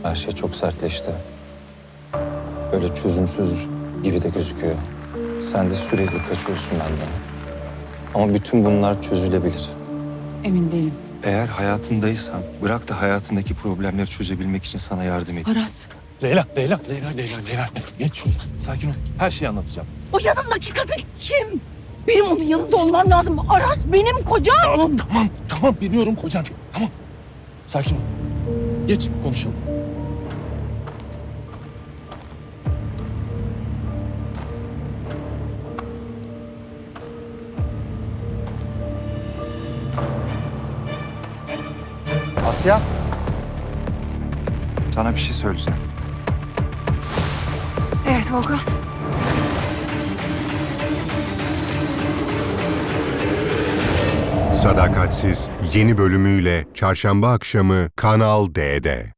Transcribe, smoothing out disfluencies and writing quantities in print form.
Her şey çok sertleşti. Böyle çözümsüz gibi de gözüküyor. Sen de sürekli kaçıyorsun benden. Ama bütün bunlar çözülebilir. Emin değilim. Eğer hayatındaysan bırak da hayatındaki problemleri çözebilmek için sana yardım edeyim. Aras. Leyla. Geç şuraya. Sakin ol. Her şeyi anlatacağım. O yanımdaki kadın kim? Benim onun yanında olmam lazım. Aras benim kocam. Tamam. Biliyorum kocan. Tamam. Sakin ol. Geç konuşalım. Asya. Sana bir şey söyleyeceğim. Evet Volkan. Sadakatsiz yeni bölümüyle çarşamba akşamı Kanal D'de.